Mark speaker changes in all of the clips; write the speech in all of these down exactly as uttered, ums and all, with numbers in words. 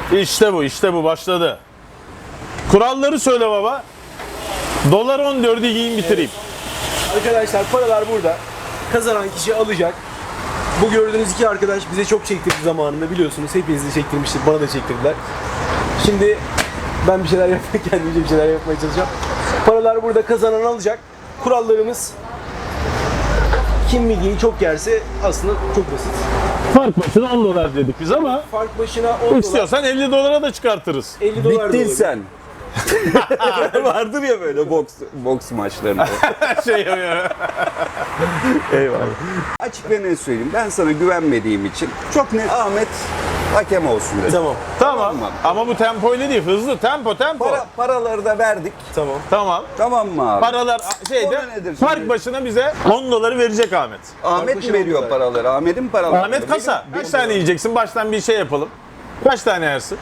Speaker 1: İşte bu, işte bu başladı. Kuralları söyle baba. Dolar on dördü yiyin bitireyim.
Speaker 2: Evet. Arkadaşlar paralar burada. Kazanan kişi alacak. Bu gördüğünüz iki arkadaş bize çok çektirdi zamanında, biliyorsunuz. Hepinizi de çektirmiştik, bana da çektirdiler. Şimdi ben bir şeyler yapmaya, kendimce bir şeyler yapmaya çalışacağım. Paralar burada, kazanan alacak. Kurallarımız, kim midyeyi çok yerse aslında çok basit.
Speaker 1: Fark başına on dolar dedik biz ama
Speaker 2: Fark başına on dolar,
Speaker 1: istiyorsan elli dolara da çıkartırız.
Speaker 2: elli dolar da
Speaker 3: Bittin
Speaker 2: olabilir.
Speaker 3: sen. Vardır ya böyle boks boks maçlarında.
Speaker 1: şey ya.
Speaker 3: Eyvallah. Açık ve net söyleyeyim. Ben sana güvenmediğim için çok net Ahmet hakem olsun dedim.
Speaker 2: Tamam,
Speaker 1: Tamam.
Speaker 3: Tamam.
Speaker 1: Ama bu tempoyla değil, hızlı tempo tempo.
Speaker 3: Para, paraları da verdik.
Speaker 2: tamam.
Speaker 1: Tamam.
Speaker 3: Tamam mı abi?
Speaker 1: Paralar şeyde
Speaker 3: Konu nedir şimdi?
Speaker 1: fark başına bize on doları verecek Ahmet.
Speaker 3: Ahmet
Speaker 2: başına
Speaker 3: mi veriyor
Speaker 2: on dolar.
Speaker 3: paraları? Ahmet'in paraları.
Speaker 1: Ahmet kasa. Kaç tane yiyeceksin? Baştan bir şey yapalım. Kaç tane yersin?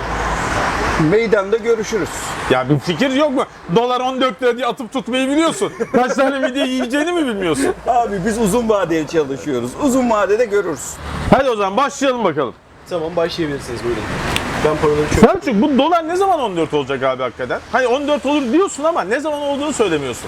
Speaker 3: Meydanda görüşürüz.
Speaker 1: Ya bir fikir yok mu? Dolar on dört lira diye atıp tutmayı biliyorsun. Kaç tane midye yiyeceğini mi bilmiyorsun?
Speaker 3: Abi biz uzun vadeli çalışıyoruz. Uzun vadede görürüz.
Speaker 1: Hadi o zaman başlayalım bakalım.
Speaker 2: Tamam, başlayabilirsiniz, buyurun. Ben paraları çok...
Speaker 1: Selçuk, bu dolar ne zaman on dört olacak abi hakikaten? Hani on dört olur diyorsun ama ne zaman olduğunu söylemiyorsun.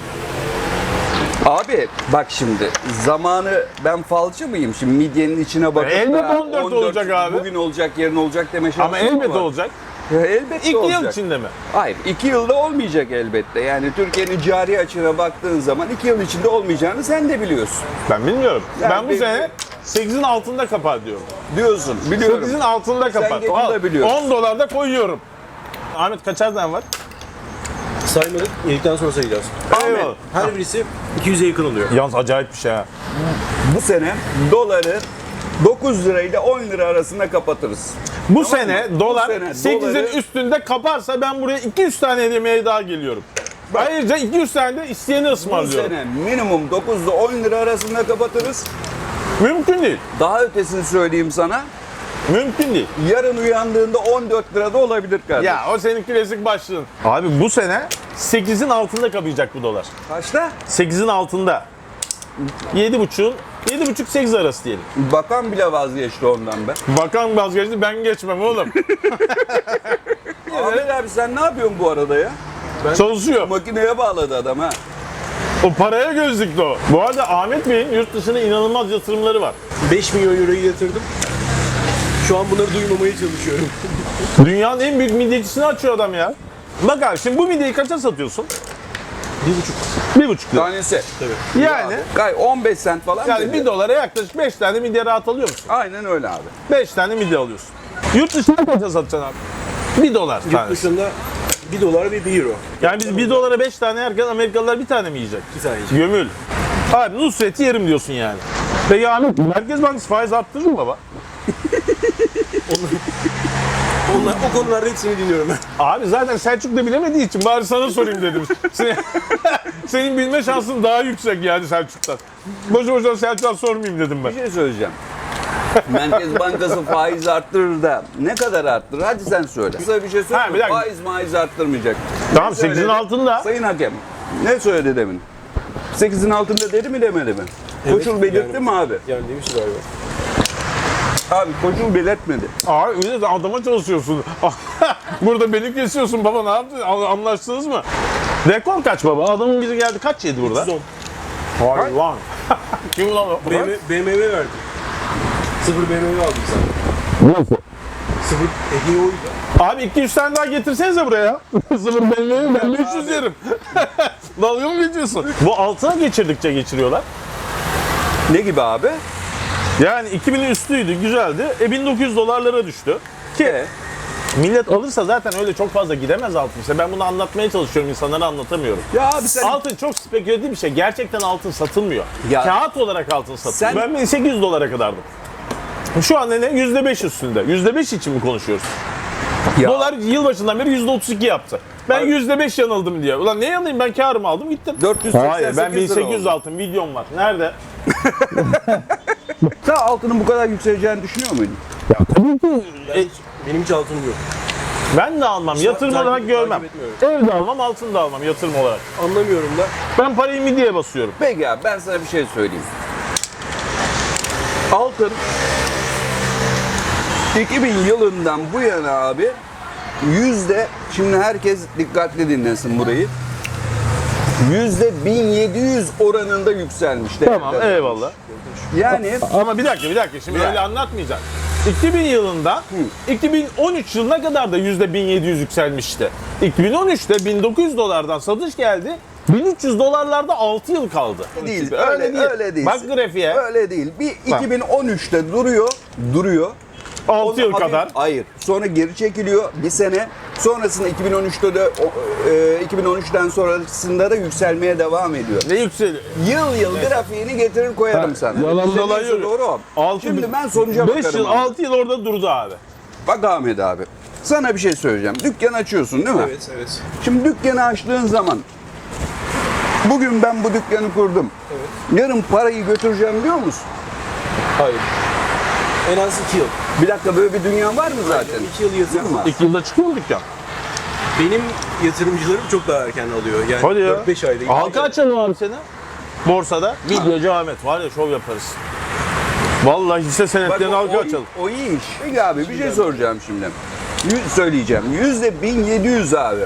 Speaker 3: Abi bak şimdi zamanı, ben falcı mıyım şimdi midyenin içine bakıp
Speaker 1: elbet
Speaker 3: da
Speaker 1: on dört olacak abi.
Speaker 3: Bugün olacak, yarın olacak deme şansım
Speaker 1: Ama elbette
Speaker 3: var.
Speaker 1: olacak.
Speaker 3: Ya, elbette
Speaker 1: İki
Speaker 3: olacak.
Speaker 1: yıl içinde mi?
Speaker 3: Hayır, iki yılda olmayacak elbette. Yani Türkiye'nin cari açığına baktığın zaman iki yıl içinde olmayacağını sen de biliyorsun.
Speaker 1: Ben bilmiyorum.
Speaker 3: Yani
Speaker 1: ben bu
Speaker 3: benim-
Speaker 1: sene sekizin altında kapar diyorum.
Speaker 3: Diyorsun, biliyorum.
Speaker 1: sekizin altında kapar.
Speaker 3: geçen
Speaker 1: Al,
Speaker 3: de biliyorsun.
Speaker 1: on dolar da koyuyorum. Ahmet kaçar tane var?
Speaker 2: Saymadık, yedikten sonra sayacağız.
Speaker 1: Eyvallah.
Speaker 2: Her birisi iki yüze yakın oluyor.
Speaker 1: Yalnız acayip bir şey ha.
Speaker 3: Bu sene doları dokuz lirayla on lira arasında kapatırız.
Speaker 1: Bu
Speaker 3: Tamam
Speaker 1: sene
Speaker 3: mı? Bu
Speaker 1: dolar
Speaker 3: sene
Speaker 1: sekizin
Speaker 3: doları-
Speaker 1: üstünde kaparsa ben buraya iki yüz tane yemeğe daha geliyorum. Ayrıca iki yüz tane de isteyeni
Speaker 3: Bu
Speaker 1: ısmarlıyorum.
Speaker 3: sene minimum dokuz ile on lira arasında kapatırız.
Speaker 1: Mümkün değil.
Speaker 3: Daha ötesini söyleyeyim sana.
Speaker 1: Mümkün değil.
Speaker 3: Yarın uyandığında on dört lirada olabilir kardeşim.
Speaker 1: Ya o senin klasik başlığın. Abi bu sene sekizin altında kapayacak bu dolar.
Speaker 3: Kaçta?
Speaker 1: sekizin altında. yedi buçuğun yedi buçuk sekiz arası diyelim.
Speaker 3: Bakan bile vazgeçti ondan be.
Speaker 1: Bakan vazgeçti, ben geçmem oğlum.
Speaker 3: Ahmet abi sen ne yapıyorsun bu arada ya?
Speaker 1: Çalışıyor.
Speaker 3: Makineye bağladı adam ha.
Speaker 1: O paraya göz dikti o. Bu arada Ahmet Bey'in yurt dışına inanılmaz yatırımları var.
Speaker 2: beş milyon euroyu yatırdım. Şu an bunları duymamaya çalışıyorum.
Speaker 1: Dünyanın en büyük midyecisini açıyor adam ya. Bak abi şimdi bu midyeyi kaça satıyorsun?
Speaker 2: Bir buçuk.
Speaker 1: Bir buçuk lira.
Speaker 3: Tanesi.
Speaker 2: Tabii.
Speaker 1: Yani,
Speaker 3: Gay on beş sent falan
Speaker 1: yani
Speaker 3: dedi.
Speaker 1: bir dolara yaklaşık beş tane midye rahat alıyor musun?
Speaker 3: Aynen öyle abi.
Speaker 1: beş tane midye alıyorsun. Yurt dışına kaça satacaksın abi? bir dolar
Speaker 2: Yurt
Speaker 1: tanesi.
Speaker 2: dışında bir dolar ve bir euro.
Speaker 1: Yani biz bir dolara beş tane yerken Amerikalılar bir tane mi yiyecek?
Speaker 2: Bir tane yiyecek.
Speaker 1: Gömül. Abi Nusret'i yerim diyorsun yani. Peki Ahmet, Merkez Bankası faiz arttırır mı baba?
Speaker 2: Onlar, o konularda hepsini dinliyorum ben.
Speaker 1: Abi zaten Selçuk da bilemediği için bari sana sorayım dedim. Senin, senin bilme şansın daha yüksek yani Selçuk'tan. Boşu boşuna Selçuk'a sormayayım dedim ben.
Speaker 3: Bir şey söyleyeceğim. Merkez Bankası faiz arttırır da ne kadar arttırır? Hadi sen söyle. Kısa bir şey söyle.
Speaker 1: Ha, bir dakika.
Speaker 3: Faiz maiz arttırmayacak.
Speaker 1: Tamam
Speaker 3: Ne söyledi?
Speaker 1: sekizin altında.
Speaker 3: Sayın hakem ne söyledi demin? sekizin altında dedi mi demedi mi?
Speaker 2: Evet,
Speaker 3: Koşul belirtti
Speaker 2: yani-
Speaker 3: mi abi?
Speaker 2: Yani demiş galiba.
Speaker 3: Abi koşul belirtmedi.
Speaker 1: Abi öyle de adama çalışıyorsun. Burada beni kesiyorsun baba, ne yaptın? Anlaştınız mı? Rekor kaç baba? Adamın biri geldi kaç yedi burada?
Speaker 2: üç yüz on.
Speaker 1: Hayvan. Kim lan o?
Speaker 2: B M W, B M W verdi. Sıfır B M W aldım sen.
Speaker 1: Nasıl?
Speaker 2: Sıfır hediye oydu.
Speaker 1: Abi iki yüz tane daha getirsenize buraya. Sıfır belli, ben beş yüz yerim. Dalga mı geçiyorsun? Bu altına geçirdikçe geçiriyorlar.
Speaker 3: Ne gibi abi?
Speaker 1: Yani iki binin üstüydü, güzeldi. E bin dokuz yüz dolarlara düştü. Ki
Speaker 3: E,
Speaker 1: millet alırsa zaten öyle çok fazla gidemez altın. İşte ben bunu anlatmaya çalışıyorum, insanlara anlatamıyorum.
Speaker 3: ya abi sen
Speaker 1: Altın çok spekülatif bir şey. Gerçekten altın satılmıyor.
Speaker 3: Ya-
Speaker 1: Kağıt olarak altın satılıyor.
Speaker 3: Sen-
Speaker 1: Ben bin sekiz yüz dolara kadardım. Şu anda ne? yüzde beş üstünde. yüzde beş için mi konuşuyoruz?
Speaker 3: Ya-
Speaker 1: Dolar yılbaşından beri yüzde otuz iki yaptı. Ben
Speaker 3: Abi-
Speaker 1: yüzde beş yanıldım diye. Ulan ne yanılayım, ben karımı aldım gittim.
Speaker 3: dört yüz seksen
Speaker 1: Hayır, ben bin
Speaker 3: sekiz lira
Speaker 1: sekiz yüz
Speaker 3: oldu.
Speaker 1: altın videom var. Nerede?
Speaker 3: Sen altının bu kadar yükseleceğini düşünüyor muydun?
Speaker 1: Ya tabii ki.
Speaker 2: Ben hiç, benim hiç altınım yok.
Speaker 1: Ben de almam, yatırım
Speaker 2: takip-
Speaker 1: olarak görmem.
Speaker 2: takip etmiyorum.
Speaker 1: Evde almam, altın da almam yatırım olarak.
Speaker 2: Anlamıyorum da.
Speaker 1: Ben parayı midyeye basıyorum.
Speaker 3: Peki abi ben sana bir şey söyleyeyim. Altın iki bin yılından bu yana abi yüzde, şimdi herkes dikkatli dinlesin burayı. Yüzde bin yedi yüz oranında yükselmiş.
Speaker 1: Tamam,
Speaker 3: değerler.
Speaker 1: eyvallah.
Speaker 3: Yani
Speaker 1: Ama bir dakika, bir dakika. Şimdi
Speaker 3: Bir
Speaker 1: öyle
Speaker 3: dakika.
Speaker 1: anlatmayacaksın. iki bin yılında, iki bin on üç yılına kadar da yüzde bin yedi yüz yükselmişti. iki bin on üçte bin dokuz yüz dolardan satış geldi. bin üç yüz dolarlarda altı yıl kaldı.
Speaker 3: değil,
Speaker 1: Öyle,
Speaker 3: öyle,
Speaker 1: değil.
Speaker 3: öyle değil.
Speaker 1: Bak grafiğe.
Speaker 3: Öyle değil. Bir iki bin on üçte duruyor, duruyor.
Speaker 1: altı yıl
Speaker 3: Hafif-
Speaker 1: kadar.
Speaker 3: Hayır. Sonra geri çekiliyor bir sene. Sonrasında iki bin on üçte de o- e, iki bin on üçten sonrasında da yükselmeye devam ediyor.
Speaker 1: Ne yükseliyor?
Speaker 3: Yıl yıl grafiğini getirir koyarım sana.
Speaker 1: yalan
Speaker 3: İşte
Speaker 1: dolan
Speaker 3: neyse
Speaker 1: yok.
Speaker 3: doğru o.
Speaker 1: Altı
Speaker 3: Şimdi
Speaker 1: bin-
Speaker 3: ben sonuca
Speaker 1: beş
Speaker 3: bakarım.
Speaker 1: yıl,
Speaker 3: abi.
Speaker 1: altı yıl orada durdu abi.
Speaker 3: Bak Ahmet abi. Sana bir şey söyleyeceğim. Dükkan açıyorsun değil mi?
Speaker 2: Evet, evet.
Speaker 3: Şimdi dükkanı açtığın zaman bugün ben bu dükkanı kurdum.
Speaker 2: Evet.
Speaker 3: Yarın parayı götüreceğim diyor musun?
Speaker 2: Hayır. En az iki yıl.
Speaker 3: Bir dakika, böyle bir dünya var mı zaten?
Speaker 2: iki yıl yatırım var.
Speaker 1: İki yılda çıkıyor mu dükkan?
Speaker 2: Benim yatırımcılarım çok daha erken alıyor. Yani
Speaker 1: Hadi ya.
Speaker 2: dört beş ayda.
Speaker 1: Halka açalım abi seni. Borsada. Videocu Ahmet var ya, şov yaparız. Vallahi hisse
Speaker 3: Bak,
Speaker 1: senetlerini
Speaker 3: o,
Speaker 1: halka
Speaker 3: o,
Speaker 1: açalım.
Speaker 3: o iyi iş. Peki abi bir şey soracağım şimdi. Yüz, söyleyeceğim. Yüzde bin yedi yüz abi.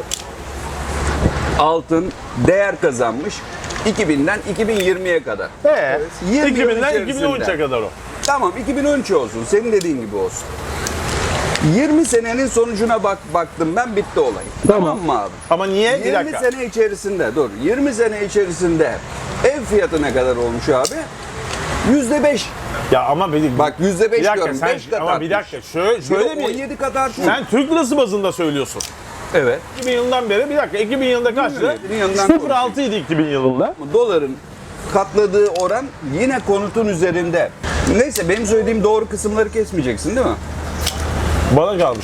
Speaker 3: Altın değer kazanmış. iki binden iki bin yirmiye kadar.
Speaker 1: He.
Speaker 3: yirmi
Speaker 1: iki
Speaker 3: yıl
Speaker 1: binden
Speaker 3: içerisinde.
Speaker 1: iki bin on üçe kadar o.
Speaker 3: Tamam, iki bin on üç olsun. Senin dediğin gibi olsun. yirmi senenin sonucuna bak baktım ben, bitti olay. Tamam, mı abi?
Speaker 1: Ama niye? Bir
Speaker 3: yirmi
Speaker 1: dakika.
Speaker 3: sene içerisinde, dur. yirmi sene içerisinde ev fiyatı ne kadar olmuş abi? yüzde beş.
Speaker 1: Ya ama bir,
Speaker 3: Bak yüzde beş
Speaker 1: bir dakika
Speaker 3: diyorum.
Speaker 1: sen,
Speaker 3: beş kat
Speaker 1: ama bir
Speaker 3: artmış.
Speaker 1: dakika şöyle, şöyle
Speaker 3: on
Speaker 1: bir,
Speaker 3: yedi kat artmış.
Speaker 1: sen Türk lirası bazında söylüyorsun.
Speaker 3: Evet.
Speaker 1: iki bin yılından beri, bir dakika, iki bin yılında kaçtı?
Speaker 3: iki bin yılından
Speaker 1: sıfır virgül altı idi iki bin yılında.
Speaker 3: Doların katladığı oran yine konutun üzerinde. Neyse, benim söylediğim doğru kısımları kesmeyeceksin değil mi?
Speaker 1: Bana kalmış.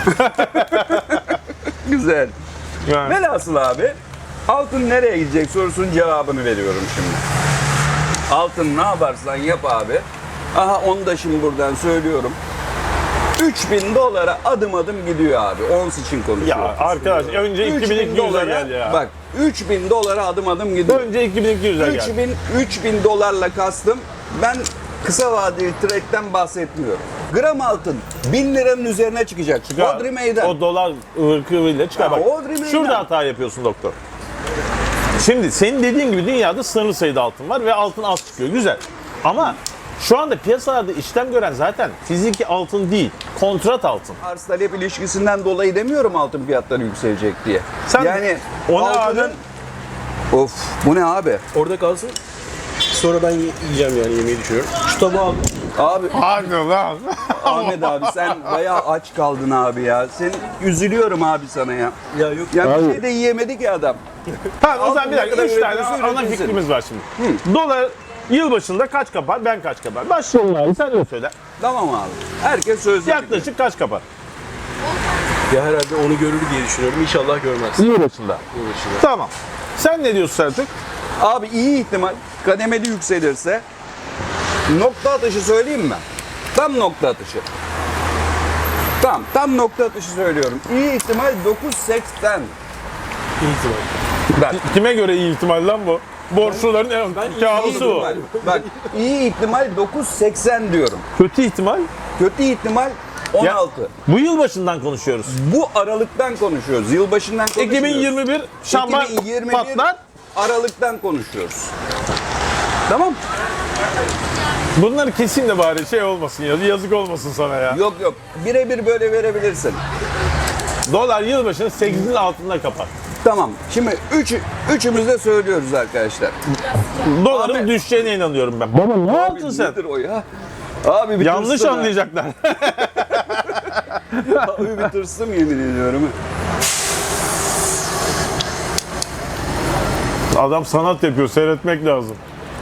Speaker 3: Güzel.
Speaker 1: Yani.
Speaker 3: Velhasıl abi, altın nereye gidecek sorusunun cevabını veriyorum şimdi. Altın ne yaparsan yap abi. Aha, onu da şimdi buradan söylüyorum. üç bin dolara adım adım gidiyor abi. Ons için konuşuyorum.
Speaker 1: Ya arkadaş önce iki bin iki yüze gel ya.
Speaker 3: Bak, üç bin dolara adım adım gidiyor.
Speaker 1: Önce iki bin iki yüze gel.
Speaker 3: üç bin, üç bin dolarla kastım. Ben kısa vadeli trade'den bahsetmiyorum. Gram altın bin liranın üzerine çıkacak.
Speaker 1: Çıkar.
Speaker 3: Hodri meydan.
Speaker 1: O dolar ırkıyla çıkar.
Speaker 3: Ya,
Speaker 1: Bak,
Speaker 3: Hodri meydan.
Speaker 1: şurada hata yapıyorsun doktor. Şimdi senin dediğin gibi dünyada sınırlı sayıda altın var ve altın az çıkıyor. Güzel. Ama şu anda piyasalarda işlem gören zaten fiziki altın değil, kontrat altın.
Speaker 3: Arz talep ilişkisinden dolayı demiyorum altın fiyatları yükselecek diye.
Speaker 1: Sen
Speaker 3: yani
Speaker 1: o ne
Speaker 3: altının...
Speaker 1: abi?
Speaker 3: Of, bu ne abi?
Speaker 2: Orada kalsın. Sonra ben ye- yiyeceğim yani, yemeği düşünüyorum. Şu tabağı al.
Speaker 3: Abi
Speaker 1: Hadi lan.
Speaker 3: Ahmet abi, sen bayağı aç kaldın abi ya. Sen, üzülüyorum abi sana ya.
Speaker 2: Ya yok.
Speaker 3: Ya
Speaker 1: Abi.
Speaker 3: bir şey de yiyemedi ki adam.
Speaker 1: Tamam, o
Speaker 3: Altın
Speaker 1: zaman bir
Speaker 3: ne
Speaker 1: dakika.
Speaker 3: kadar
Speaker 1: Üç tane
Speaker 3: üretirse
Speaker 1: ana
Speaker 3: üretilsin.
Speaker 1: fikrimiz var şimdi. Dolar yılbaşında kaç kapar, ben kaç kapar? Başlayalım abi, sen de söyle.
Speaker 3: Tamam abi. Herkes sözlü.
Speaker 1: Yaklaşık kaç kapar?
Speaker 2: Ya herhalde onu görür diye düşünüyorum. İnşallah görmez.
Speaker 1: Yılbaşında.
Speaker 2: Yılbaşında.
Speaker 1: Tamam. Sen ne diyorsun Selçuk?
Speaker 3: Abi iyi ihtimal kademeli yükselirse, nokta atışı söyleyeyim mi? Tam nokta atışı. Tam, tam nokta atışı söylüyorum. İyi ihtimal dokuz seksen.
Speaker 2: İyi ihtimal.
Speaker 3: Bak,
Speaker 1: Kime göre iyi ihtimal lan bu? Borçluların en
Speaker 3: iyi
Speaker 1: kârlısı bu.
Speaker 3: ihtimal. Bak, iyi ihtimal dokuz seksen diyorum.
Speaker 1: Kötü ihtimal.
Speaker 3: Kötü ihtimal on altı.
Speaker 1: Bu yılbaşından konuşuyoruz.
Speaker 3: Bu aralıktan konuşuyoruz. Yılbaşından konuşmuyoruz.
Speaker 1: iki bin yirmi bir şamban
Speaker 3: iki bin yirmi bir
Speaker 1: patlar.
Speaker 3: Aralıktan konuşuyoruz. Tamam.
Speaker 1: Bunları kesin de bari şey olmasın ya. Yazık olmasın sana ya.
Speaker 3: Yok yok. Birebir böyle verebilirsin.
Speaker 1: Dolar yılbaşını sekizin altında kapar.
Speaker 3: Tamam. Şimdi üç, üçümüz de söylüyoruz arkadaşlar.
Speaker 1: Doların
Speaker 3: Abi.
Speaker 1: düşeceğine inanıyorum ben. Baba ne yaptın
Speaker 3: Abi
Speaker 1: sen?
Speaker 3: nedir o ya? Abi bir
Speaker 1: Yanlış
Speaker 3: tırstım ha.
Speaker 1: anlayacaklar.
Speaker 3: Abi bir tırstım, yemin ediyorum.
Speaker 1: Adam sanat yapıyor, seyretmek lazım.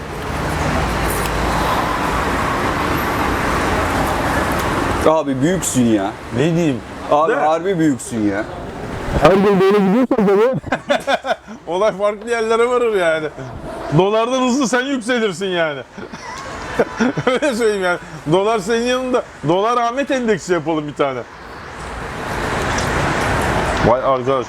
Speaker 3: Abi büyüksün ya.
Speaker 1: Ne diyeyim?
Speaker 3: Abi
Speaker 1: Değil mi?
Speaker 3: harbi büyüksün ya.
Speaker 1: Her gün böyle gidiyorsan tabii. Olay farklı yerlere varır yani. Dolardan hızlı sen yükselirsin yani. Öyle söyleyeyim yani. Dolar senin yanında. Dolar Ahmet endeksi yapalım bir tane. Vay arkadaş.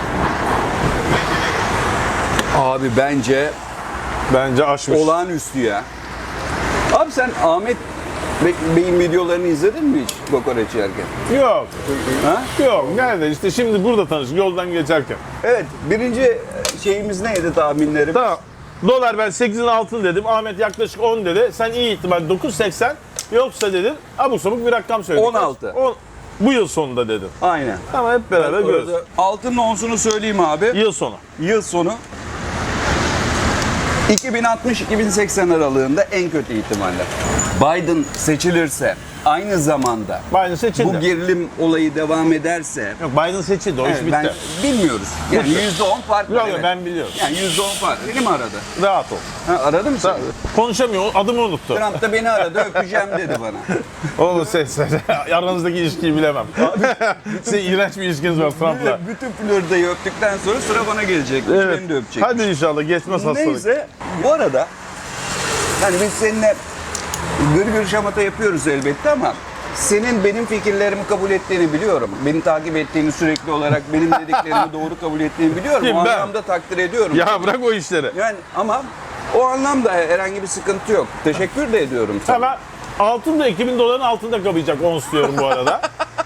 Speaker 3: Abi bence
Speaker 1: Bence aşmış.
Speaker 3: olağanüstü ya. Abi sen Ahmet Be- beyin videolarını izledin mi hiç kokoreç yerken?
Speaker 1: Yok.
Speaker 3: Ha?
Speaker 1: Yok. Nerede? İşte şimdi burada tanıştık yoldan geçerken.
Speaker 3: Evet, birinci şeyimiz neydi tahminlerim?
Speaker 1: Tamam. Dolar ben sekizin altını dedim. Ahmet yaklaşık on dedi. Sen iyi ihtimal dokuz seksen. Yoksa dedin abuk sabuk bir rakam söyledin.
Speaker 3: on altı.
Speaker 1: On, bu yıl sonunda dedin.
Speaker 3: Aynen.
Speaker 1: Ama hep beraber görürüz.
Speaker 3: Orada altının onsunu söyleyeyim abi.
Speaker 1: Yıl sonu.
Speaker 3: Yıl sonu iki bin altmış iki bin seksen aralığında en kötü ihtimalle. Biden seçilirse aynı zamanda
Speaker 1: Biden seçildi.
Speaker 3: bu gerilim olayı devam ederse
Speaker 1: Yok Biden seçildi. O iş
Speaker 3: evet,
Speaker 1: bitti.
Speaker 3: ben bilmiyoruz. Yani yüzde on fark var.
Speaker 1: Yok yok
Speaker 3: evet.
Speaker 1: ben biliyorum.
Speaker 3: Yani yüzde on fark. Beni mi aradı?
Speaker 1: Rahat ol.
Speaker 3: Ha, aradı mı sen?
Speaker 1: Konuşamıyor. Adımı unuttu.
Speaker 3: Trump da beni aradı, öpeceğim dedi bana.
Speaker 1: Oğlum sen, sen aranızdaki ilişkiyi bilemem. Senin iğrenç bir ilişkiniz var Trump'la.
Speaker 3: Bütün Florida'yı öptükten sonra sıra bana gelecek.
Speaker 1: Evet.
Speaker 3: Beni de öpecek.
Speaker 1: Hadi inşallah geçmez hastalık.
Speaker 3: Neyse, bu arada hani biz seninle gır gır şamata yapıyoruz elbette ama senin benim fikirlerimi kabul ettiğini biliyorum. Beni takip ettiğini sürekli olarak benim dediklerimi doğru kabul ettiğini biliyorum.
Speaker 1: Kim,
Speaker 3: o
Speaker 1: ben?
Speaker 3: anlamda takdir ediyorum.
Speaker 1: Ya bırak o işleri.
Speaker 3: Yani ama o anlamda herhangi bir sıkıntı yok. Teşekkür de ediyorum sana.
Speaker 1: Hemen altın da iki bin doların altında kapayacak ons diyorum bu arada.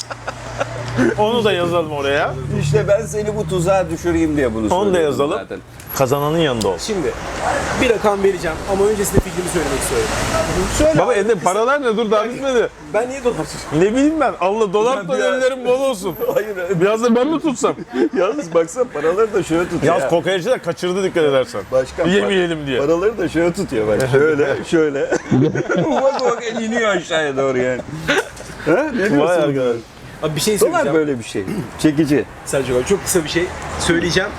Speaker 1: Onu da yazalım oraya.
Speaker 3: İşte ben seni bu tuzağa düşüreyim diye bunu
Speaker 1: Onu
Speaker 3: söylüyorum
Speaker 1: da yazalım.
Speaker 3: zaten.
Speaker 1: Kazananın yanında ol.
Speaker 2: Şimdi bir rakam vereceğim ama öncesinde fikrimi söylemek istiyorum. Şöyle
Speaker 1: Baba
Speaker 2: abi,
Speaker 1: elinde paralar ne? Dur daha bitmedi.
Speaker 2: ben niye dolar tutuyorum?
Speaker 1: Ne bileyim ben. Allah dolar
Speaker 3: Ben
Speaker 1: da
Speaker 3: bir ara-
Speaker 1: ellerim bol olsun.
Speaker 3: Hayır.
Speaker 1: Biraz da ben mi tutsam?
Speaker 3: Yalnız baksana paraları da şöyle tutuyor.
Speaker 1: Yalnız kokoreççi de kaçırdı dikkat edersen.
Speaker 3: Başkan
Speaker 1: Yemeyelim diye.
Speaker 3: Paraları da şöyle tutuyor bak. Şöyle, şöyle. Ufak ufak el iniyor aşağıya doğru yani. Ha? Ne
Speaker 1: Vay
Speaker 3: diyorsun?
Speaker 1: arkadaş.
Speaker 2: Abi bir şey
Speaker 3: Dolar
Speaker 2: söyleyeceğim.
Speaker 3: böyle bir şey. Çekici.
Speaker 2: Selçuk abi çok kısa bir şey söyleyeceğim.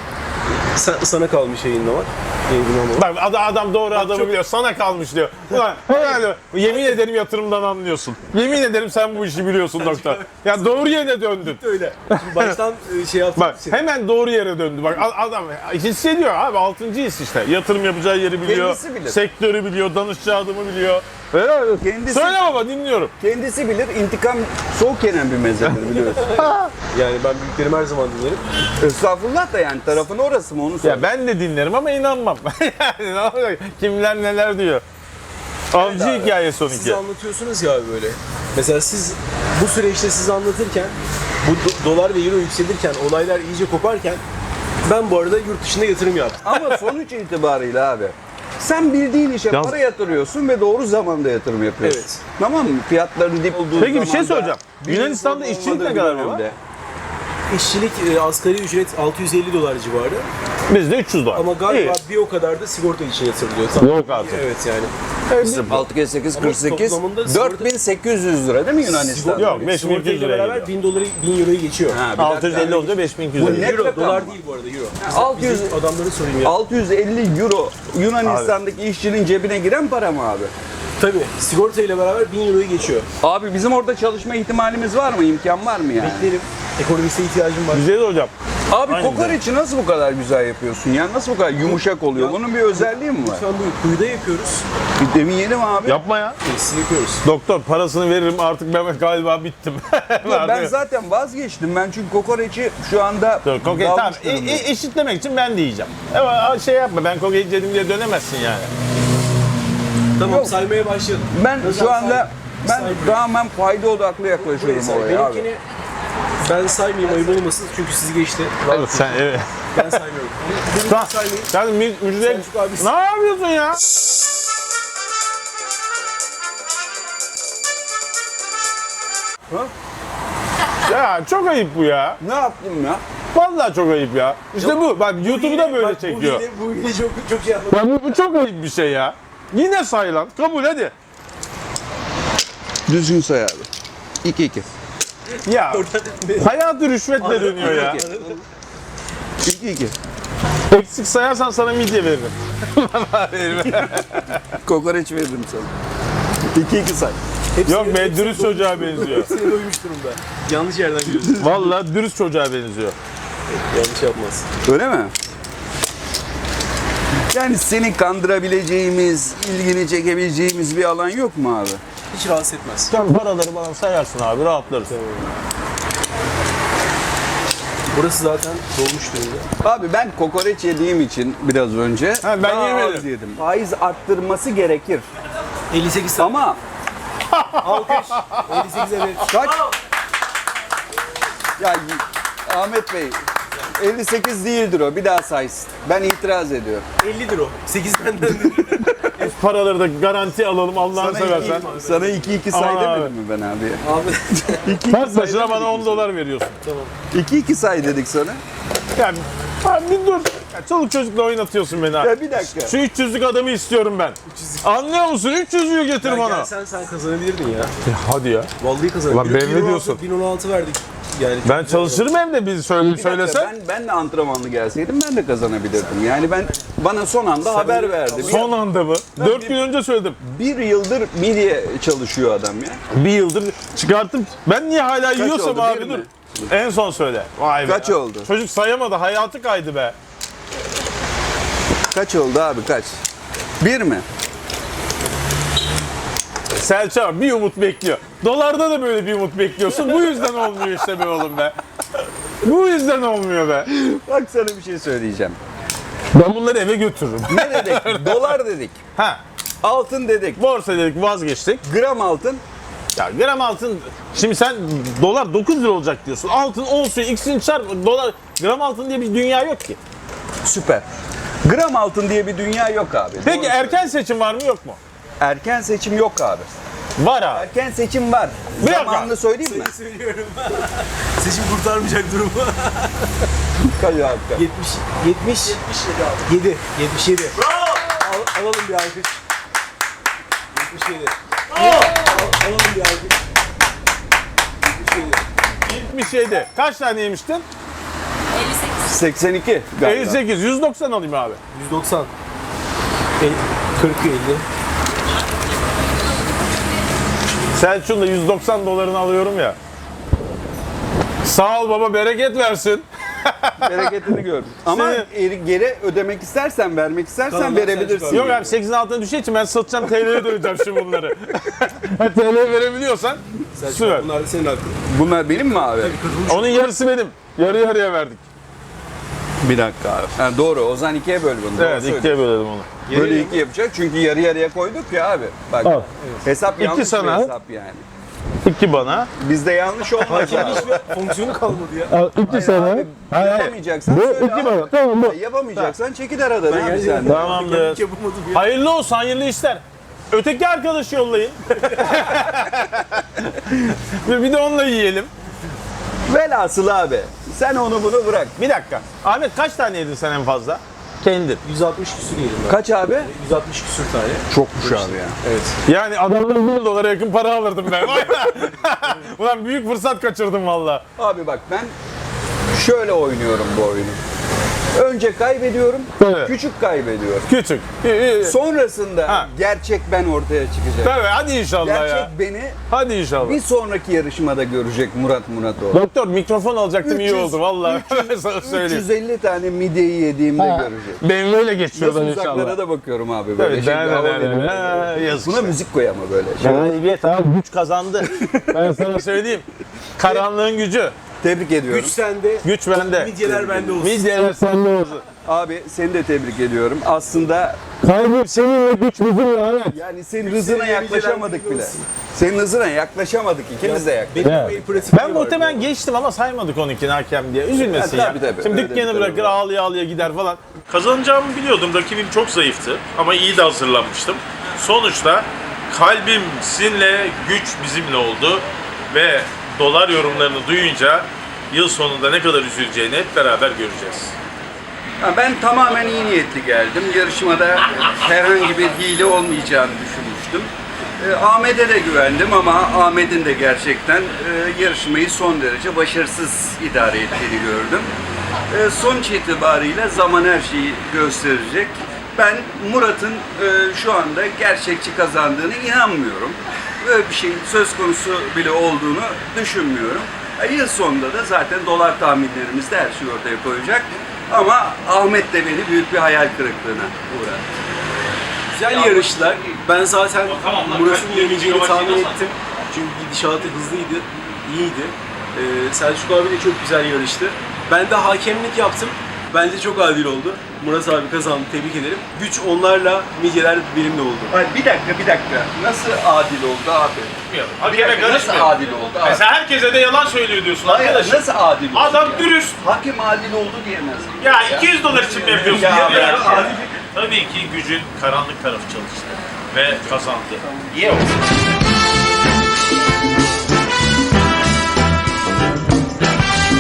Speaker 2: Sa- sana kalmış yayınlamak. Yayınlamak.
Speaker 1: Bak adam, adam doğru adamı
Speaker 2: çok-
Speaker 1: biliyor. Sana kalmış diyor. Ulan herhalde yemin ederim yatırımdan anlıyorsun. Yemin ederim sen bu işi biliyorsun doktor. Ya doğru yere döndün.
Speaker 2: Öyle. Şimdi baştan e, şey yaptım.
Speaker 1: Bak hemen doğru yere döndü. Bak a- adam hissediyor abi altıncı his işte. Yatırım yapacağı yeri biliyor.
Speaker 3: Kendisi bilir.
Speaker 1: Sektörü biliyor. Danışacağı adamı biliyor. Helal olsun.
Speaker 3: Kendisi-
Speaker 1: Söyle baba dinliyorum.
Speaker 3: Kendisi bilir, intikam soğuk yenen bir mezhedir biliyorsun.
Speaker 2: Yani ben büyüklerimi her zaman dinlerim.
Speaker 3: Estağfurullah da yani tarafın orası mı onu sor.
Speaker 1: Ya ben de dinlerim ama inanmam. Yani ne olacak? Kimler neler diyor. Avcı
Speaker 2: Abi,
Speaker 1: hikayesi
Speaker 2: Siz
Speaker 1: onunki.
Speaker 2: anlatıyorsunuz ya abi böyle. Mesela siz bu süreçte siz anlatırken bu do- dolar ve euro yükselirken olaylar iyice koparken ben bu arada yurt dışında yatırım yaptım.
Speaker 3: Ama sonuç itibariyle abi. Sen bildiğin işe
Speaker 1: Yalnız-
Speaker 3: para yatırıyorsun ve doğru zamanda yatırım yapıyorsun.
Speaker 2: Evet.
Speaker 3: Tamam mı? Fiyatları dip olduğu
Speaker 1: Peki bir şey
Speaker 3: zamanda,
Speaker 1: soracağım.
Speaker 3: bir
Speaker 1: Yunanistan'da
Speaker 3: sorun
Speaker 1: işçilik ne
Speaker 3: olmadığı
Speaker 1: kadar
Speaker 3: bir
Speaker 1: baba?
Speaker 3: dönemde.
Speaker 2: İşçilik e, asgari ücret altı yüz elli dolar civarı
Speaker 1: Bizde üç yüz dolar.
Speaker 2: ama galiba
Speaker 1: İyi.
Speaker 2: bir o kadar da sigorta için yatırılıyor. Tamam.
Speaker 1: Yok artık.
Speaker 2: Evet yani.
Speaker 3: altı kere sekiz kırk sekiz
Speaker 2: toplamında
Speaker 3: dört bin sekiz yüz lira değil mi Yunanistan'da?
Speaker 1: Yok, beş bin iki yüz
Speaker 2: Sigortayla
Speaker 1: liraya
Speaker 2: beraber
Speaker 1: geliyor.
Speaker 2: bin doları bin euroyu geçiyor.
Speaker 3: Ha, bir
Speaker 1: altı yüz elli
Speaker 3: dakika.
Speaker 1: olunca beş bin iki yüz
Speaker 3: Bu
Speaker 1: lira.
Speaker 3: ne?
Speaker 2: Euro,
Speaker 3: rakam
Speaker 2: dolar
Speaker 3: mı?
Speaker 2: değil bu arada euro.
Speaker 3: altı yüz
Speaker 2: Bizim adamları sorayım ya.
Speaker 3: altı yüz elli euro Yunanistan'daki işçinin cebine giren para mı abi?
Speaker 2: Tabii sigortayla beraber bin euroyu geçiyor.
Speaker 3: Abi bizim orada çalışma ihtimalimiz var mı? İmkan var mı yani?
Speaker 2: Beklerim. Ekonomiste ihtiyacım var.
Speaker 1: Güzel hocam.
Speaker 3: Abi
Speaker 1: Aynen.
Speaker 3: kokoreçi nasıl bu kadar güzel yapıyorsun ya? Nasıl bu kadar yumuşak oluyor? Bunun bir özelliği mi var?
Speaker 2: Şu an bu kuyuda yapıyoruz.
Speaker 3: Bir deneyelim abi.
Speaker 1: Yapma ya.
Speaker 2: Tesisi yapıyoruz.
Speaker 1: Doktor parasını veririm artık ben galiba bittim.
Speaker 3: Yok, ben zaten vazgeçtim. Ben çünkü kokoreçi şu anda
Speaker 1: Dur, kokoreç, tamam.
Speaker 3: dalmış
Speaker 1: E,
Speaker 3: durumdayım.
Speaker 1: e, eşitlemek için ben de yiyeceğim. Ama şey yapma ben kokoreç yedim diye dönemezsin yani.
Speaker 2: Tamam
Speaker 3: Yok.
Speaker 2: saymaya başlayalım.
Speaker 3: Ben
Speaker 2: Özel
Speaker 3: şu anda
Speaker 2: say-
Speaker 3: ben
Speaker 2: saymıyorum.
Speaker 3: tamamen fayda odaklı
Speaker 2: Burayı
Speaker 3: yaklaşıyorum
Speaker 2: say.
Speaker 3: oraya abi.
Speaker 2: Benimkini ben saymayayım ayıp olmasın çünkü sizi geçti.
Speaker 1: Evet sen evet.
Speaker 2: Ben saymıyorum. Benimkini
Speaker 1: Tamam.
Speaker 2: saymayayım.
Speaker 1: Sen mü- müjde...
Speaker 2: Selçuk abi-
Speaker 1: Ne yapıyorsun ya?
Speaker 3: Ha?
Speaker 1: Ya çok ayıp bu ya.
Speaker 3: Ne yaptım ya?
Speaker 1: Vallahi çok ayıp ya. İşte bu. Bak YouTube'da böyle
Speaker 2: Bak,
Speaker 1: çekiyor.
Speaker 2: Bu hile, bu hile çok, çok şey yapmadım.
Speaker 1: Ya bu, bu çok ayıp bir şey ya. Yine say lan. Kabul hadi.
Speaker 3: Düzgün say abi. iki iki.
Speaker 1: Ya hayatı rüşvetle dönüyor ya.
Speaker 3: iki iki.
Speaker 1: Eksik sayarsan sana midye veririm.
Speaker 3: Kokoreç veririm sana. iki iki say.
Speaker 2: Hepsini-
Speaker 1: Yok be
Speaker 2: hepsini
Speaker 1: dürüst
Speaker 2: doymuş-
Speaker 1: çocuğa benziyor.
Speaker 2: Hepsini doymuş durumda. Yanlış yerden gidiyorsun.
Speaker 1: Vallahi dürüst çocuğa benziyor.
Speaker 2: Yanlış yapmaz.
Speaker 3: Öyle mi? Yani seni kandırabileceğimiz, ilgini çekebileceğimiz bir alan yok mu abi?
Speaker 2: Hiç rahatsız etmez.
Speaker 1: Sen paraları bana sayarsın abi rahatlarız.
Speaker 2: Burası zaten dolmuş durumda.
Speaker 3: Abi ben kokoreç yediğim için biraz önce
Speaker 1: Ha, ben
Speaker 3: daha
Speaker 1: yemedim.
Speaker 3: az yedim. Faiz arttırması gerekir.
Speaker 2: elli sekiz tane.
Speaker 3: Ama
Speaker 2: Alkış. elli sekiz evet.
Speaker 3: Kaç? Ya Ahmet Bey elli sekiz değildir o. Bir daha saysın. Ben itiraz ediyorum.
Speaker 2: ellidir o. sekiz benden.
Speaker 1: Paraları da garanti alalım Allah'ını seversen.
Speaker 3: Sana iki iki say
Speaker 1: Aa,
Speaker 3: demedim mi ben abi?
Speaker 2: Abi.
Speaker 1: Kaç başına bana on dolar veriyorsun.
Speaker 2: Tamam.
Speaker 3: iki iki say dedik sana.
Speaker 1: Yani abi bir dur. Ya, çoluk çocukla oynatıyorsun beni abi.
Speaker 3: Ya bir dakika.
Speaker 1: Şu üç yüzlük adamı istiyorum ben. Anlıyor musun? üç yüzlüğü getir
Speaker 2: Ya
Speaker 1: bana.
Speaker 2: gel sen sen kazanabilirdin ya.
Speaker 1: Hadi ya.
Speaker 2: Vallahi kazanabilirdin.
Speaker 1: Ulan ben ne diyorsun?
Speaker 2: bin on altı verdik. Yani
Speaker 1: Ben çalışırım evde biz söyle,
Speaker 3: Bir dakika,
Speaker 1: söylesen.
Speaker 3: ben, ben de antrenmanlı gelseydim ben de kazanabilirdim. Yani ben bana son anda haber verdi. Bir,
Speaker 1: Son anda mı? Dört gün önce söyledim.
Speaker 3: bir yıldır midye çalışıyor adam ya.
Speaker 1: Bir yıldır çıkarttım. Ben niye hala yiyorsam
Speaker 3: oldu,
Speaker 1: abi
Speaker 3: bir
Speaker 1: dur.
Speaker 3: mi?
Speaker 1: En son söyle. Vay be.
Speaker 3: Kaç oldu?
Speaker 1: Çocuk sayamadı. Hayatı kaydı be.
Speaker 3: Kaç oldu abi kaç? Bir mi?
Speaker 1: Selçuk abi bir umut bekliyor. Dolarda da böyle bir umut bekliyorsun. Bu yüzden olmuyor işte be oğlum be. Bu yüzden olmuyor be.
Speaker 3: Bak sana bir şey söyleyeceğim.
Speaker 1: Ben bunları eve götürürüm.
Speaker 3: Ne dedik? Dolar dedik.
Speaker 1: Ha.
Speaker 3: Altın dedik.
Speaker 1: Borsa dedik vazgeçtik.
Speaker 3: Gram altın.
Speaker 1: Ya gram altın, şimdi sen dolar dokuz lira olacak diyorsun. Altın olsun, ikisini çarp, dolar, gram altın diye bir dünya yok ki.
Speaker 3: Süper. Gram altın diye bir dünya yok abi.
Speaker 1: Peki
Speaker 3: Doğru
Speaker 1: erken seçim var mı yok mu?
Speaker 3: Erken seçim yok abi.
Speaker 1: Var abi.
Speaker 3: Erken seçim var.
Speaker 1: Bir dakika.
Speaker 3: Zamanını söyleyeyim mi?
Speaker 2: Seni söylüyorum. Seçim kurtarmayacak durumu.
Speaker 3: Kaç abi?
Speaker 2: yetmiş, yetmiş, yedi, yetmiş yedi. Al, alalım bir alkış. yetmiş yedi. Al, alalım bir alkış. yetmiş yedi.
Speaker 1: yetmiş yedi. Kaç tane yemiştin?
Speaker 4: elli sekiz.
Speaker 3: seksen iki galiba.
Speaker 1: elli sekiz. yüz doksan alayım abi.
Speaker 2: yüz doksan. El, kırk elli.
Speaker 1: Selçuk'un da yüz doksan dolarını alıyorum ya. Sağ ol baba, bereket versin.
Speaker 3: Bereketini gör. Ama
Speaker 1: Senin-
Speaker 3: eri- geri ödemek istersen, vermek istersen
Speaker 2: Tamam,
Speaker 3: verebilirsin.
Speaker 1: Yok abi sekizin altına düşeceği için ben satacağım, T L'ye döneceğim şimdi bunları. T L'ye verebiliyorsan süper.
Speaker 2: Bunlar da senin hakkın.
Speaker 3: Bunlar benim mi abi?
Speaker 1: Onun yarısı benim. Yarı yarıya verdik.
Speaker 3: Bir dakika abi. Ha, doğru. Ozan ikiye böl bunu. Doğru
Speaker 1: Evet,
Speaker 3: söylüyorsun.
Speaker 1: ikiye bölelim onu.
Speaker 3: Böyle iki yapacak çünkü yarı yarıya koyduk ya abi. Bak
Speaker 1: Al.
Speaker 3: hesap
Speaker 1: İki
Speaker 3: yanlış
Speaker 1: sana.
Speaker 3: bir hesap yani.
Speaker 1: İki bana.
Speaker 3: Bizde yanlış olmaz
Speaker 2: Yani
Speaker 3: abi.
Speaker 2: hiçbir fonksiyonu kalmadı ya.
Speaker 1: Al, iki sana.
Speaker 3: Abi, yapamayacaksan
Speaker 1: Bu
Speaker 3: söyle
Speaker 1: iki
Speaker 3: abi.
Speaker 1: bana. Tamam bu.
Speaker 3: Ya Yapamayacaksan çekil aradan abi
Speaker 2: gerçekten-
Speaker 3: sen.
Speaker 1: Tamamdır.
Speaker 2: Hiç yapamadım ya.
Speaker 1: Hayırlı olsun, hayırlı işler. Öteki arkadaşı yollayın. Ve bir de onunla yiyelim.
Speaker 3: Velhasıl abi sen onu bunu bırak.
Speaker 1: Bir dakika. Ahmet kaç tane yedin sen en fazla? Kendin.
Speaker 2: yüz altmış küsür yedim ben.
Speaker 3: Kaç abi?
Speaker 2: yüz altmış küsür tane.
Speaker 3: Çokmuş abi ya.
Speaker 2: Evet.
Speaker 1: Yani adamdan bir dolara yakın para alırdım ben. Ulan büyük fırsat kaçırdım valla.
Speaker 3: Abi bak ben şöyle oynuyorum bu oyunu. Önce kaybediyorum,
Speaker 1: Evet.
Speaker 3: küçük kaybediyorum.
Speaker 1: Küçük. İyi, iyi.
Speaker 3: Sonrasında
Speaker 1: Ha.
Speaker 3: gerçek ben ortaya çıkacak.
Speaker 1: Tabii hadi inşallah
Speaker 3: Gerçek
Speaker 1: ya.
Speaker 3: beni
Speaker 1: Hadi inşallah.
Speaker 3: bir sonraki yarışmada görecek Murat Muratoğlu.
Speaker 1: Doktor mikrofon alacaktım, iyi
Speaker 3: üç yüz
Speaker 1: oldu valla. Ben sana söyleyeyim.
Speaker 3: üç yüz elli tane midyeyi yediğimde görecek.
Speaker 1: Ben böyle geçiyorum
Speaker 3: Nasıl
Speaker 1: inşallah.
Speaker 3: uzaklara da bakıyorum abi böyle
Speaker 1: Evet,
Speaker 3: şey.
Speaker 1: ne, ne,
Speaker 3: hava
Speaker 1: ne,
Speaker 3: veriyorum.
Speaker 1: ne, ha, yazık
Speaker 3: Buna
Speaker 1: işte.
Speaker 3: müzik koy ama böyle. Şey.
Speaker 1: Galibiyet abi, güç kazandı. Ben sana söyleyeyim. Karanlığın gücü.
Speaker 3: Tebrik ediyorum.
Speaker 2: Güç sende.
Speaker 1: Güç bende.
Speaker 2: Midyeler bende olsun.
Speaker 1: Midyeler sende olsun.
Speaker 3: Abi seni de tebrik ediyorum. Aslında
Speaker 1: Kalbim seninle, güç bizimle Ahmet.
Speaker 3: yani senin hızına
Speaker 2: Seni
Speaker 3: yaklaşamadık
Speaker 2: midyeler
Speaker 3: bile.
Speaker 2: olsun.
Speaker 3: Senin hızına yaklaşamadık. İkimiz de yaklaşamadık.
Speaker 2: Benim
Speaker 1: Evet.
Speaker 2: el pratikliği
Speaker 1: Ben
Speaker 2: var.
Speaker 1: muhtemelen geçtim ama saymadık onunkini hakem diye. Üzülmesin
Speaker 3: Ha,
Speaker 1: ya.
Speaker 3: tabii, tabii.
Speaker 1: Şimdi
Speaker 3: Öyle
Speaker 1: dükkanı
Speaker 3: bir
Speaker 1: bırakır
Speaker 3: tarafı var.
Speaker 1: ağlaya ağlaya gider falan.
Speaker 5: Kazanacağımı biliyordum. Rakibim çok zayıftı ama iyi de hazırlanmıştım. Sonuçta kalbim sizinle, güç bizimle oldu ve dolar yorumlarını duyunca yıl sonunda ne kadar üzüleceğini hep beraber göreceğiz.
Speaker 3: Ha, ben tamamen iyi niyetli geldim. Yarışmada herhangi bir hile olmayacağını düşünmüştüm. E, Ahmet'e de güvendim ama Ahmet'in de gerçekten e, yarışmayı son derece başarısız idare ettiğini gördüm. E, sonuç itibariyle zaman her şeyi gösterecek. Ben Murat'ın e, şu anda gerçekçi kazandığını inanmıyorum. Böyle bir şeyin söz konusu bile olduğunu düşünmüyorum. E, yıl sonunda da zaten dolar tahminlerimizde her şey ortaya koyacak. Ama Ahmet de beni büyük bir hayal kırıklığına uğrattı.
Speaker 2: Güzel yarışlar. Ben zaten
Speaker 5: tamam lan,
Speaker 2: Murat'ın
Speaker 5: ben
Speaker 2: yeneceğini
Speaker 5: yavaş
Speaker 2: tahmin
Speaker 5: yavaş
Speaker 2: ettim. Çünkü gidişatı hızlıydı, iyiydi. Ee, Selçuk abi de çok güzel yarıştı. Ben de hakemlik yaptım. Bence çok adil oldu. Murat abi kazandı. Tebrik ederim. Güç onlarla, midyeler benimle oldu.
Speaker 3: Ay, bir dakika bir dakika. Nasıl adil oldu abi?
Speaker 5: Bilmiyorum.
Speaker 3: Bir
Speaker 5: Hakeme
Speaker 3: dakika, nasıl
Speaker 5: karışmıyor.
Speaker 3: adil oldu abi?
Speaker 5: Mesela herkese de yalan söylüyor diyorsun
Speaker 3: Hayır,
Speaker 5: arkadaşım.
Speaker 3: nasıl adil oldu?
Speaker 5: Adam
Speaker 3: ya?
Speaker 5: dürüst.
Speaker 3: Hakem adil oldu diyemez.
Speaker 5: Ya iki yüz dolar için mi yapıyorsun?
Speaker 3: Ya,
Speaker 5: Ya,
Speaker 3: ya,
Speaker 5: ya.
Speaker 3: ya.
Speaker 5: Tabii ki gücün karanlık tarafı çalıştı ve kazandı. İyi olsun.